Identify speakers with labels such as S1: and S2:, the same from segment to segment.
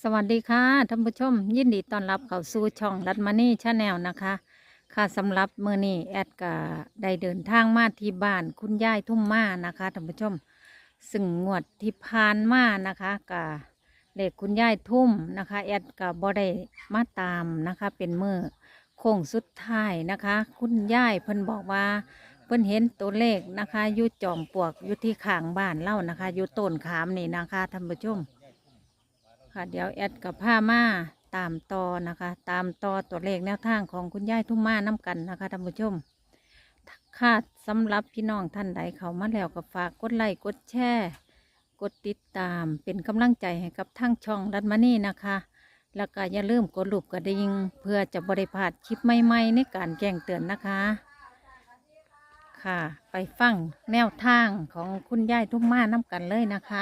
S1: สวัสดีค่ะท่านผู้ชมยินดีต้อนรับเข้าสู่ช่องรัตมานี่ชาแนลนะคะค่ะสำหรับมื้อนี้แอดก็ได้เดินทางมาที่บ้านคุณยายทุ่มมานะคะท่านผู้ชมซึ่งงวดที่ผ่านมานะคะก็เลขคุณยายทุ่มนะคะแอดก็บ่ได้มาตามนะคะเป็นมื้อโค้งสุดท้ายนะคะ คุณยายเพิ่นบอกว่าเพิ่นเห็นตัวเลขนะคะอยู่จอมปลวกอยู่ที่ข้างบ้านเล่านะคะอยู่ต้นขามนี่นะคะท่านผู้ชม ค่ะเดี๋ยวแอดกับผ้ามาตามต่อนะคะ ตามต่อตัวเลขแนวทางของคุณยายทุ่มมาน้ำกันนะคะท่านผู้ชมค่ะสำหรับพี่น้องท่านใดเขามาแล้วก็ฝากกดไลค์กดแชร์กดติดตามเป็นกำลังใจให้กับทั้งช่องรัตมานี่นะคะ แล้วก็อย่าลืมกดรูปกระดิ่งเพื่อจะบริพลาดคลิปใหม่ๆในการแจ้งเตือนนะคะ ค่ะไปฟังแนวทางของคุณยายทุ่มมาน้ำกันเลยนะคะ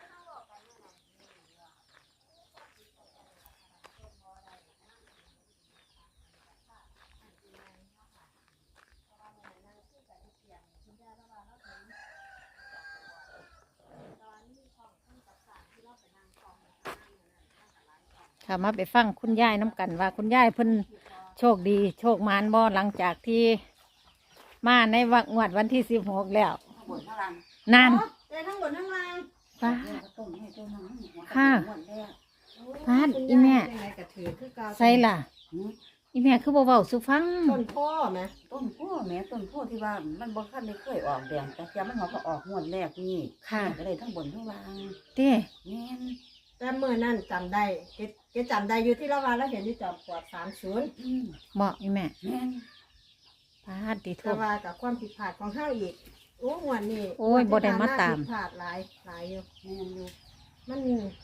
S1: ค่ะมาไปฟังคุณยายน้ำกันว่าคุณยายเพิ่นโชคดีโชคมานบ่หลังจากที่มาในวันที่16แล้ว
S2: บนข้างล่าง
S1: นั่น
S2: ได้ทั้งบนทั้งล่าง
S1: ป้า
S2: ต้มให้ต้มน้ำ
S1: ค่ะป้าอีแม่ใส่ล่ะอีแม่คือบ่เว้าสุฟัง
S2: ต้นพ่อไหมต้นพ่อแม่ต้นพ่อที่ว่ามันบ่คันได้เคยออกแดงแต่เสียมันก็ออกงวดแรกนี่ค่ะก็เลยทั้งบนทั้งล่าง
S1: เต้
S2: แม่นแต่เมื่อนั้นจำได้แกจำได้อยู่ที่ละวันแล้วเห็นที่จอมปลวก30
S1: บอกอีแม่
S2: แม่น
S1: ป้าติโท
S2: แต่ว่ากับความผิดพลาดของเฮาอีกโอ้งวดนี้
S1: โอ้ยบ่ได้มาตาม
S2: ผิดพลาดหลายอยู่แม่นอยู่มัน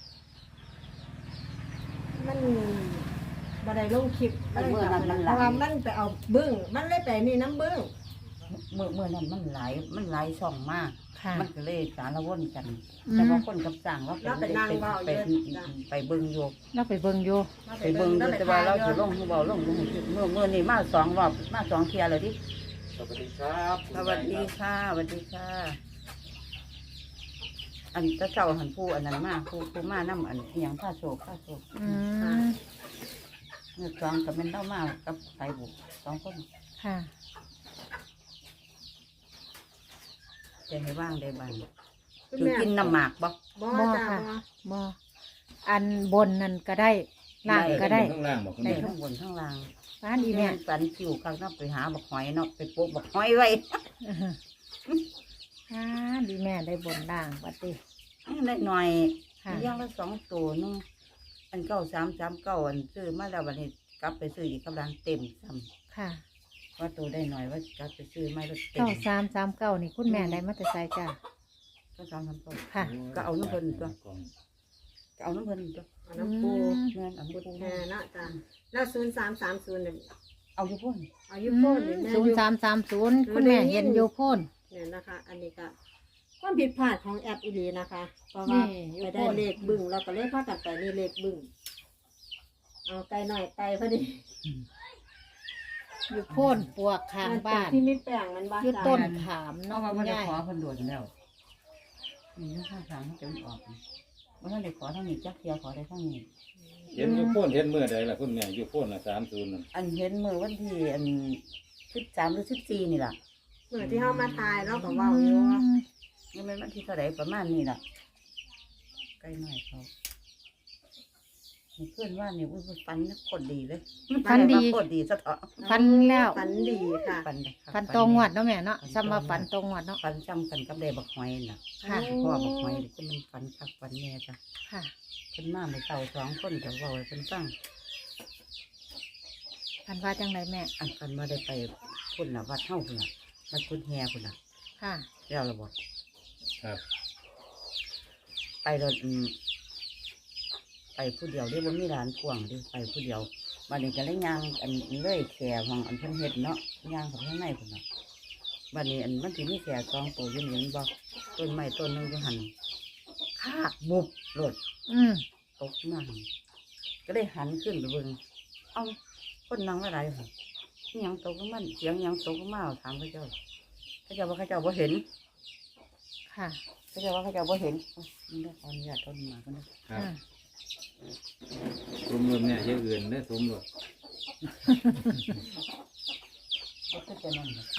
S2: บ่ได้ลงคลิปเพราะว่ามันไปเอาบึ้งมันเลยไปนี่น้ำบึ้งเมื่อนั้นมันหลายช่องมากมันก็เลยสารวนกันแต่ว่าคนกับสั่งว่าไปนั่งไปเบิ่งอยู่
S1: เราไปเบิ่งอยู่
S2: ไปเบิ่งอยู่แต่ว่าเราจะลงเบาลงเมื่อนี้มา2 รอบมา2 เที่ยเลยดิ
S3: สวัสดีครับ
S2: สวัสดีค่ะสวัสดีค่ะอันเจ้าหันผู้อันนั้นมาผู้มาน้ำอันเอียงผ้าโศกเมื่อสองกับเป็นเล่ามากับไก่บุก2 คน
S1: ค่ะ
S2: จะให้ว่างได้บ้างคือกินน้ำหมากบ่
S1: ค่ะบ่อันบนนั่นก็ได้ล่างก็ได้
S3: ข้างล่างบอก
S2: ได้ทั้งบนทั้งล่าง
S1: ป้านอีแม่
S2: สันคิวข้างนอกไปหาบักหอยเนาะไปปลูกบักหอยไว้
S1: ดีแม่ได้บนล่างบัดนี้
S2: ได้หน่อยย่างละ2 ตัวนึงอัน9339อันซื้อมาแล้ววันนี้กลับไปซื้ออีกกำลังเต็มซ้ำ
S1: ค่ะ
S2: ว่าตัวได้หน่อยว่ากลับไปซื้อไม่รถเต็ม
S1: 9339นี่คุณแม่ได้มาแต่ไสจ้ะ
S2: 9339ค่ะก็เอาน้ำเพิ่นตัวก็เอาน้ำเพิ่นตัว
S1: น้ำปู
S2: เงินเอาน้ำปู
S4: แม่นะจ้ะแล้ว0330เนี่ย
S2: เอาอยู่พ่น
S4: เอาอยู่พ่น
S1: 0330คุณแม่เห็นอยู่พ่น
S4: เนี่ยนะคะ อันนี้ก็ความผิดพลาดของแอปอีดีนะคะเพราะว่าไปได้เลขบึ้งเราก็เลยพากันไปนี่เลขบึ้งเอาไกลหน่อยไกลพอดี
S1: อยู่โพ่นปวกข้างบ้าน
S4: ที่มีแป้งมันบ้า
S1: อยู่ต้นขาม
S2: เนาะว่าได้ขอเพิ่นโดดแล้วนี่ข้างทางมันจะออกว่าได้ขอทางนี้จักเทียขอได้ทางนี้
S3: เห็นอยู่โพ่นเห็นเมื่อใดล่ะคุณแม่อยู่โพ่นละ30นั่น
S2: อันเห็นเมื่อวันที่อัน13หรือ14นี่ล่ะ
S4: เมื่อที่เฮามาทายเราก็เว้าอยู่
S2: นี่มันวันที่เท่าไหร่ประมาณนี้ล่ะใกล้หน่อยเขาเพื่อนว่านี่ฟันคนดีเลย
S1: ฟันดี
S2: คนดีสะเถาะ
S1: ฟันแล้ว
S4: ฟันดีค่ะ
S1: ฟันตรงวัดเนาะแม่เนาะซ้ำมาฟันตรงวัดเนาะ
S2: ฟันจำกันกับเดบักหอยน่ะค่ะพ่อบักหอยก็มันฟันคักฟันแน่จ้ะ
S1: ค่ะ
S2: เพิ่นมาไม่เต่า2 คนแต่ว่าเพิ่นฟัง
S1: ฟันว่าจังไรแม่
S2: อันฟันมาได้ไปพุ่นน่ะวัดเฮาพุ่นน่ะวัดกุฎแฮพุ่นน่ะ
S1: ค่ะ
S2: แล้วระบบ
S3: ครับ
S2: ไปรถไปผู้เดียวเรียกว่ามีร้านกวางดิไปผู้เดียววันนี้ก็เลยย่างอันเลยแขของอันเพิ่นเฮ็ดเนาะย่างของข้างในพุ่นน่ะวันนี้อันมันสิมีแข2 ตัวอยู่นี่บ่ต้นไม้ต้นนึงอยู่หั่นคาบบุบรถตกมาก็ได้หันขึ้นไปเบิ่งเอ้าคนนั่งอะไรค่ะนี่ยังตกลงมันเสียงยังตกลงมาถามพระเจ้าว่าพระเจ้าบ่เห็น
S1: ค่ะ
S2: พระเจ้าว่าพระเจ้าบ่เห็นนี่ได้ขออนุญาตต้นมากันนะ
S3: รสเนี่ยเยอะเกินเด้อสมรส
S2: ก็คือจะนั่นน่ะ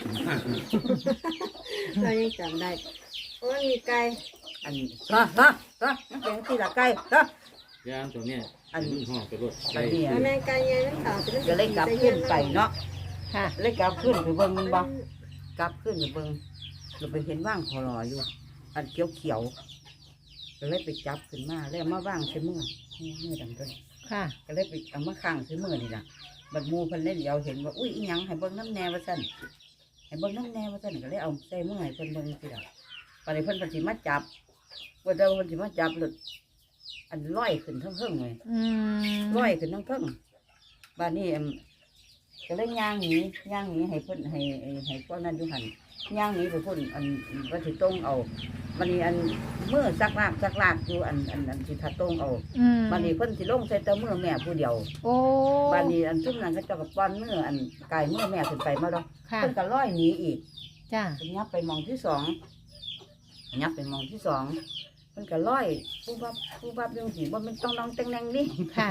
S4: เรายังจำได้เพราะมันมีไก่
S2: อันมันเป็นที่ละไก่
S3: ย่างตัวเนี้ย
S2: อัน
S3: มันห่อไปรส
S2: อันนี้
S4: แล้วแม่ไก่ยังนั่นขาวจะ
S2: ก็เลยกลับขึ้นไปเนาะ
S1: ค่ะ
S2: เลยกลับขึ้นไปเบิ่งมันบ่กลับขึ้นไปเบิ่งเราไปเห็นว่างคอรออยู่ อันเขียวก็เลยไปจับขึ้นมาแล้วมาว่างใส่มือดำต้น
S1: ค่ะ
S2: ก็เลยไปเอามาข้างใส่มือนี่ล่ะบัดหมูเพิ่นเล่นเดียวเห็นว่าอุ้ยอีหยังให้เบิ่งน้ำแน่ว่าซั่นให้เบิ่งน้ำแน่ว่าซั่นก็เลยเอาใส่มือให้เพิ่นเบิ่งสิล่ะปานนี้เพิ่นสิมาจับว่าเดี๋ยวเพิ่นสิมาจับหลุดอันลอยขึ้นทั้งเพิ่งเลย
S1: อืม
S2: ลอยขึ้นทั้งเพิ่งบ้านนี้ก็เลยย่างหนีให้เพิ่นให้พวกนั้นอยู่หันย่างหนีไปพุ่นอันว่าสิตรงเอาบัดนี้อันมือซักลากอยู่อันสิทัดตรงเอา
S1: อืม
S2: บัดนี้เพิ่นสิลงใส่แต่มือแม่ผู้เดียว
S1: โอ้
S2: บัดนี้อันทุ่มนั้นก็เจ้ากับป้อนมืออันกายมือแม่ขึ้นไปมาแล้ว
S1: ค่ะ
S2: เพิ่นก็ลอยหนีอีก
S1: จ้า
S2: ยับไปมองที่สองยับไปมองที่สองมันก็ร้อยผู้บับยังสีว่ามันต้องน้องแตงแนงนี่
S1: ค่ะ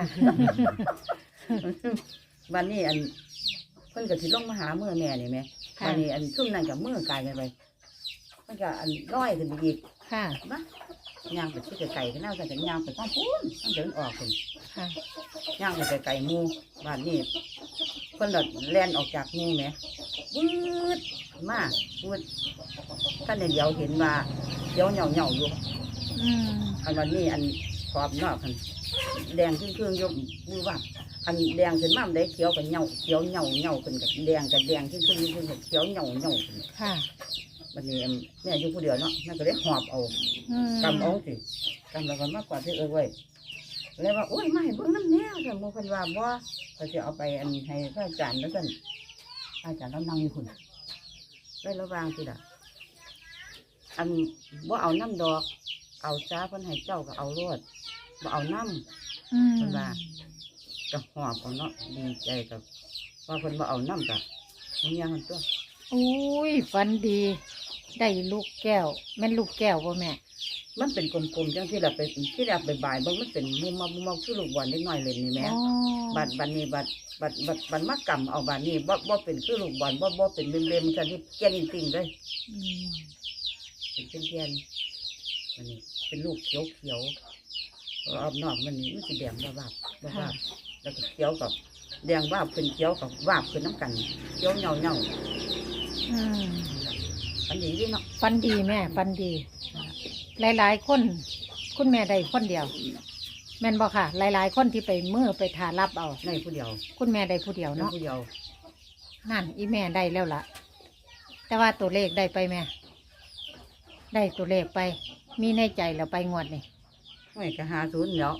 S2: วันนี้อันเพิ่นก็สิลงมาหาเมื่อแม่นี่แม่
S1: ค่ะ
S2: วันนี้อันชุ่มนั่นกับเมื่อกายกันไปมันก็อันร้อยขึ้นไปอีก
S1: ค่ะ
S2: มะย่างไปที่ไก่กันแล้วกันย่างไปต้องพูนต้องเดินออกคน
S1: ค่ะ
S2: ย่างไปไก่หมูบ้านนี้เพิ่นหลดแล่นออกจากหมูแม่วืดมากวืดท่านเดียวเห็นว่าเดี๋ยวเหย่าอยู่
S1: อืม
S2: อันวันนี้อันขอบนอกคันแดงขึ้นเครื่องยกมือว่าอันแดงขึ้นมาได้เขียวกับเหย่าเขียวเหย่าขึ้นกับแดงขึ้นเครื่องกับเขียวเหย่าขึ้น
S1: ค่ะ
S2: วันนี้แม่อยู่ผู้เดียวเนาะนั่นก็ได้หอบเอา
S1: อืม
S2: กำเอาสิกำแล้วก็มากกว่าที่ไว้เลยว่าโอ้ยไม่เบิ่งน้ำแนวแต่โมพันว่าบ่เขาจะเอาไปอันให้พระอาจารย์แล้วกันพระอาจารย์เรานั่งอยู่คุณเลยระวางสิล่ะอันบ่เอาน้ำดอก เอาจ้าเพิ่นให้เจ้าก็เอารวดบ่เอาน้ำ
S1: อืม
S2: เพิ่นว่าก็หอบเอาเนาะดีใจกับว่าเพิ่นบ่เอาน้ำกะมันยังหันตัว
S1: อุ้ยฝันดี ได้ลูกแก้ว แม่นลูกแก้วบ่แม่
S2: มันเป็นกลมๆจังที่เราไปที่เราไปบ่ายเบิ่งมันเป็นมุมคือลูกบอลเล็กน้อยเล่นนี่แหม่
S1: อ๋อ
S2: บัดนี้บัดมากำเอาบัดนี้บ่เป็นคือลูกบอลบ่เป็นเบมๆจังที่แก่นจริงๆเลย
S1: อืม
S2: เป็นแก่นๆมันนี่เป็นลูกเขียวรอบนอกมันนี่มันสิแดงวาบแล้วก็เขียวกับแดงวาบขึ้นเขียวกับวาบขึ้นน้ำกันเขียวเหงา
S1: อืม
S2: อันนี้ดิเนาะ
S1: ฝันดีแม่ฝันดี หลายๆคน คุณแม่ได้คนเดียว แม่นบ่ค่ะ หลายๆคนที่ไปมือไปทารับเอา
S2: ในผู้เดียว
S1: คุณแม่ได้ผู้เดียว
S2: ใน
S1: เนาะ
S2: ผู้เดียว
S1: นั่นอีแม่ได้แล้วล่ะ แต่ว่าตัวเลขได้ไปแม่ ได้ตัวเลขไป มีในใจแล้วไปงวดนี่
S2: ไม่ก็50เนาะ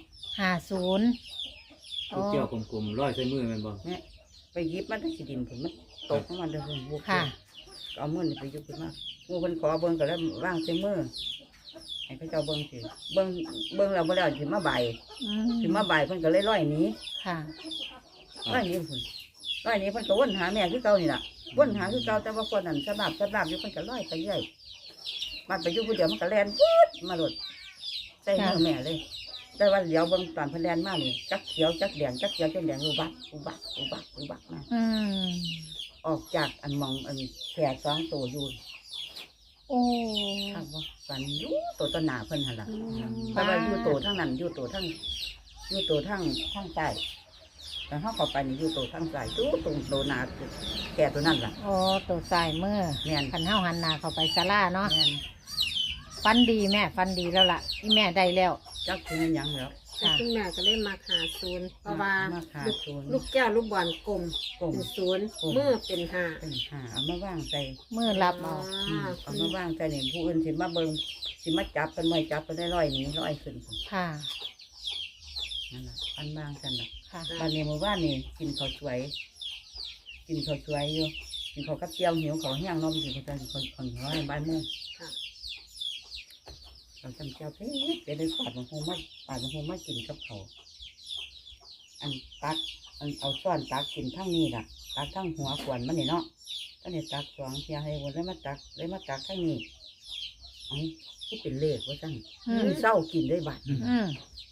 S1: 50
S3: ลูกเกี่ยวกลมๆร้อยใส่มือแมันบ่
S2: เนี่ยไปหยิบมันได้สิดินผมมันตกของมันเด้อบุก
S1: ค่ะ
S2: เอามือนี่ไปยุบขึ้นมางูเพิ่นขอเบิ่งก็แล้วว่างใส่มือให้เขาเจ้าเบิ่งสิเบิ่งแล้วบ่แล้วสิมาใบาย
S1: อื
S2: สิ
S1: ม
S2: มาใบายเพิ่นก็เลยร้อยหนี
S1: ค่ะ
S2: ร้อยหนีเพิ่นร้อยหนีเพิ่นก็วนหาแม่คือเก่านี่ล่ะวนหาคือเก่าแต่ว่าคนนั้นสะบับอยู่เพิ่นก็ร้อยไปเรื่อยมันไปอยู่ผู้เดียวมันก็แล่นปุ๊ดมาโลดใส่มือแม่เลย แต่ว่าเดี๋ยวเบิ่งตอนเพิ่นแล่นมานี่จักเขียวจักแดงจักเขียวจักแดงอุบักมา
S1: อืม
S2: ออกจากอันมองอันแผลสองตัวอยู่
S1: โอ้
S2: ข้างว่าฝันอยู่ตัวต้นหนาเพิ่นหันละ
S1: อืม
S2: แต่ว่าอยู่ตัวทั้งนั้นอยู่ตัวทั้งใต้แต่ถ้าเข้าไปนี่อยู่ตัวทั้งใต้ตู้ตรงตัวหนาแก่ตัวนั่นล่ะ
S1: โอ้ตัวสายมือ
S2: แม่น
S1: ขันเท้าหันหนาเข้าไปศาลาเนาะ
S2: แม่น
S1: ฟันดีแม่ฟันดีแล้วล่ะอีแม่ได้แล้ว
S2: จักถึงหยังแล้ว
S4: แต่คุณแม่ก็เลยมาหาศูนย์เพราะว่า
S2: มาหา
S4: ลูก
S2: ศูนย์
S4: ลูกแก้วลูกบอลกลม
S2: กลม
S4: เป็นศูนย์
S2: กลม
S4: มือเป็นห้า
S2: เป็นหาเอามาว่างใจ
S1: มือรับเอา
S2: เอามาว่างใจนี่ผู้อื่นสิมาเบิ่งสิมาจับเป็นไม่จับเป็นได้ร้อยหนี้ร้อยขึ้น
S1: ค่ะ
S2: นั่นล่ะอันว่างกันล่ะ
S1: ค่ะ
S2: วันนี้เมื่อวานนี่กินข้าวสวยอยู่กินข้าวกับเจียวหิวข้าวแห้งนมกินข้าวคนน้อยบ่ายโมง
S4: ค่ะ
S2: เราจำเจียวเผ็ดเดี๋ยวได้ปาดมะฮงมากินกับเขาวอันตักอันเอาช้อนตักกินทั้งนี้ล่ะตักทั้งหัวขวานมันนี่เนาะก็เนี่ยตักสองเทียให้วนแล้วมาตักทั้งนี้อันที่เป็นเลขว่าจัง
S1: อืม
S2: เศร้ากินได้บัด
S1: อืม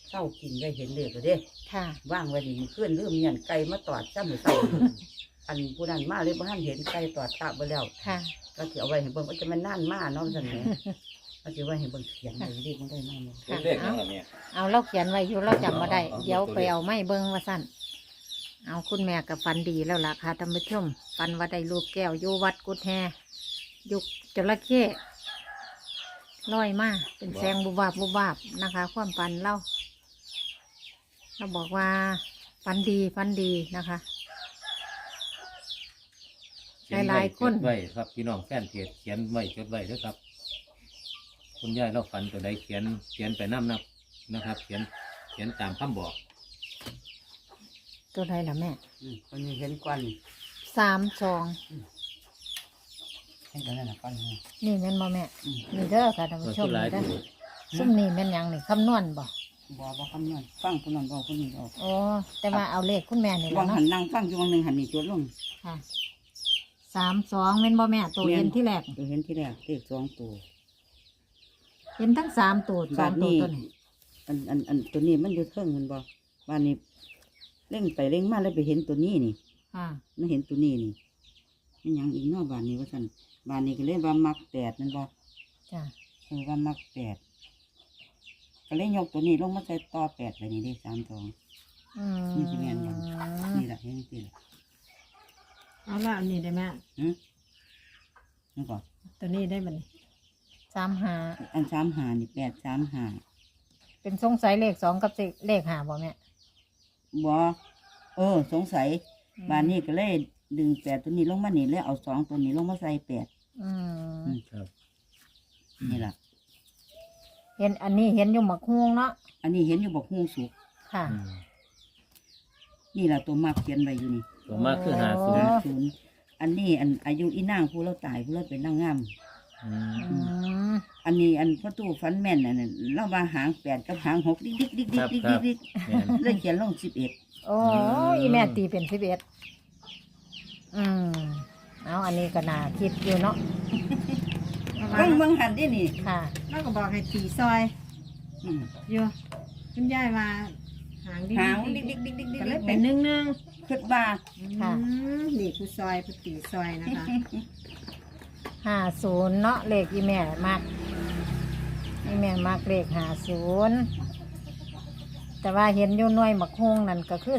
S2: เศร้ากินได้เห็นเลยก็เด้
S1: ค่ะ
S2: ว่างไว้ดิมันขึ้นลืมเงียนไก่มาตอดซ้ำมือเศร้า อันผู้นั้นมาเลยบ่ทันเห็นไก่ตอดตาไปแล้ว
S1: ค่ะ
S2: ก็สิเอาไว้ให้เบิ่งว่าจะมันนั่นมาเนาะซั่นแหละก็สิไว้ให้เบิ่งเขียนไว้เด็กมันได้มาเนี่ย
S1: ค่ะ
S3: เลขนั่นล่ะแม่
S1: เอาเราเขียนไว้อยู่เราจำมาได้
S3: เอา
S1: เดี๋ยว
S3: ตัวเลข
S1: ไปเอาไม้เบิ้งว่าสั้นเอาคุณแม่กับฟันดีแล้วล่ะค่ะท่านผู้ชมฟันว่าได้ลูกแก้วอยู่วัดกุดแฮยุกจระเข้ลอยมาเป็นแสงบุบวาบบุบวาบนะคะ ความฟันเล่าเราบอกว่าฟันดีนะคะ หลายๆคน
S3: จดไว้ครับพี่น้องแฟนเพจเขียนไว้จดไว้ด้วยครับ คุณยายเราฝันตัวใดเขียนไปน้ำนับนะครับ เขียนตามคำบอก
S1: ตัวใดล่ะแม่
S2: คนนี้เห็นควัน
S1: 32
S2: เห็นกันนั่นน่ะควันนี่
S1: นี่แม่นบ่แม่
S2: อืม
S1: นี่เด้อค่ะท่าน
S3: ตัว
S1: ผู้ชม
S3: ที่หลาย
S1: นี่เด้อ
S3: ตัว
S1: ซุ่มนี่แม่นหยังนี่คำนวณบ่
S2: บ่คำนั้นฟังผู้นั้นบ่ผู้นี้เอา
S1: โอ้แต่ว่าเอาเลขคุณแม่นี่แห
S2: วา
S1: ละ
S2: ง
S1: เนาะ
S2: หันนั่งฟังอยู่วางหนึงหันนี่จดลง
S1: ค่ะ32แม่นบ่แม่ตัวเห็นที่แรก
S2: ตัวเห็นที่แรกเลข2ตัว
S1: เห็นทั้ง3ตัวสองตัวตัวนี้
S2: อันตัวนี้มันอยู่เทิงมันบ่บ้านนี้เร่งไปเร่งมาแล้วไปเห็นตัวนี้นี่
S1: ค่ะ
S2: มันเห็นตัวนี้นี่มันหยังอีกเนอกบ้านนี้ว่าซั่นบ้านนี้ก็เลยว่ามัก8มันบ่
S1: จ้ะ
S2: ว่ามัก8ก็เลยยกตัวนี้ลงมาใส่ต่อ8ไปนี่ได้3 2
S1: อืม
S2: นี่สิแม่นบ่ นี่ล่ะเห็นจังซี่ล่ะ
S4: เอาละอันนี้ได้ไหม
S2: นี่ก่อน
S4: ตัวนี้ได้บัดนี้
S1: 35
S2: อัน35นี่835
S1: เป็นสงสัยเลข2กับเลข5บ่แม่
S2: บ่สงสัยบ้านนี้ก็เลยดึง8ตัวนี้ลงมานี่แล้วเอา2ตัวนี้ลงมาใส่8
S1: อืม
S3: ครับ
S2: นี่ล่ะ
S1: เห็นอันนี้เห็นอยู่หมักฮวงเนาะ
S2: อันนี้เห็นอยู่บอกฮู้สุก
S1: ค่ะ
S3: อืม
S2: นี่ล่ะตัวมักเขียนไว้อยู่นี่
S3: ตัวมากคือ
S1: โอ้
S2: 50อันนี้อันอายุอีนางผู้เราตายผู้เราเป็นนางงาม
S3: อืม
S1: อืม
S2: อันนี้อันพ่อตู้ฟันแม่นอันนั้นเราว่าหาง8กับหาง6ดิ๊กดิ๊กดิ๊กดิ๊กดิ๊กดิ๊กดิ๊ก
S3: แม่น
S2: เลยเขียนลง11
S1: โอ้อีแม่ตีเป็น11อืมเอาอันนี้ก็น่าคิดอยู่เนาะ
S2: เบิ่งหันดินี่
S1: ค่ะ
S4: แล้วก็บอกให้ตีซอย
S2: อืม
S4: อยู่คุณยายว่าหางดี
S2: หางดิ๊กดิ๊กดิ๊กดิ๊กดิ๊ก
S4: ก็เลยเป็น1
S2: คิดว่า
S1: ค่ะ
S4: นี่ผู้ซอยผู้ตีซอยนะคะ
S1: 50เนาะเลขอีแม่มักอีแม่มักเลข50แต่ว่าเห็นอยู่หน่วยหมักฮวงนั่นก็คือ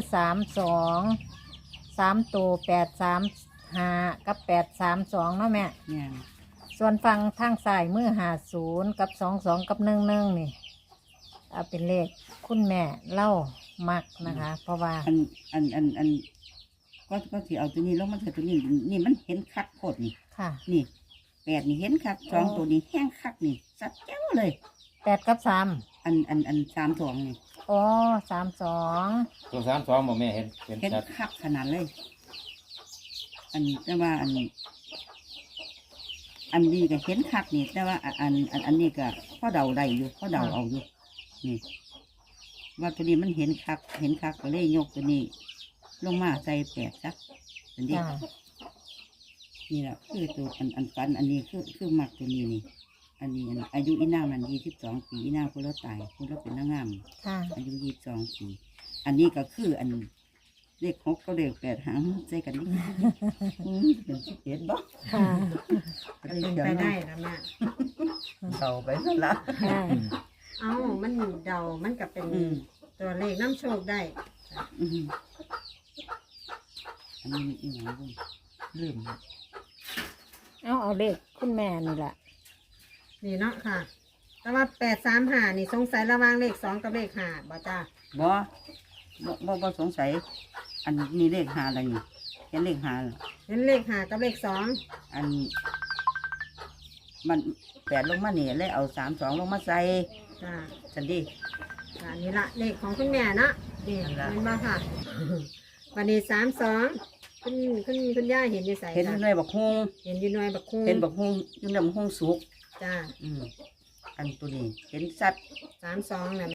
S1: 3ตัว835กับ832เนาะแม่
S2: เนี่ย
S1: ส่วนฟังทางซ้ายมือ50กับ22กับ11นี่เอาเป็นเลขคุณแม่เล่ามักนะคะ เพราะว่า
S2: อันก็สิเอาตัวนี้ลงมาใส่ตัวนี้นี่มันเห็นคักโคตรนี่
S1: ค่ะ
S2: นี่8นี่เห็นคัก2ตัวนี้แห้งคักนี่สัดแจ้วเลย
S1: 8กับ3
S2: อัน32นี่
S1: อ๋อ32
S3: ตัว32บ่แม่เห็น
S2: เห็น
S3: ชัด
S2: คักขนาดเลย อันแต่ว่าอันนี้ก็เห็นคักนี่แต่ว่าอันนี้ก็พ่อเดาได้อยู่พ่อเดาเอาอยู่นี่ว่าตัวนี้มันเห็นคักก็เลยยกตัวนี้ ลงมาใส่8ซักอันนี้
S1: จ้า
S2: นี่แหละคือตัวอันฟันอันนี้คือมักตัวนี้นี่ อันนี้อายุอีนางมัน22 ปีอีนางคนเราตายคนเราเป็นนางงาม
S1: ค่ะ
S2: อายุ22 ปี อันนี้ก็คืออันเลข6ก็เลข8หางใส่กันนี่เป็น11บ่
S1: ค่ะ
S4: ก็เป็นไปได้แล้วแม่
S2: เดาไปซะละ
S1: ค่ะ
S3: ๆอืม
S4: เอ้ามันเดามันก็เป็น
S2: อืม
S4: ตัวเลขน้ำโชคได้
S2: อืมอันนี้อีหยังบุญลืม
S1: เอาเลขคุณแม่นี่แหละ
S4: นี่เนาะค่ะ แต่ว่า835นี่สงสัยระหว่างเลข2กับเลข5บ่จ้า
S2: บ่สงสัย อันนี้เลข5อะไรนี่เห็นเลข5เหรอ
S4: เห็นเลข5กับเลข2
S2: อันมัน8ลงมานี่เลยเอา32ลงมาใส่
S4: จ้า
S2: จันดี
S4: จ้านี่ละเลขของคุณแม่เนาะนี่
S2: นั่นล่ะ
S4: เห็นบ่ค่ะ วันนี้32คุณย่าเห็นอยู่ใส่
S2: เห็นอยู่ในบักฮุง
S4: เห็นอยู่หน่วยบักคุ้ง
S2: เห็นบักฮุงอยู่ในบักฮุงสุก
S4: จ้า
S2: อันตัวนี้ เห็นสัตว์
S4: 32น่ะ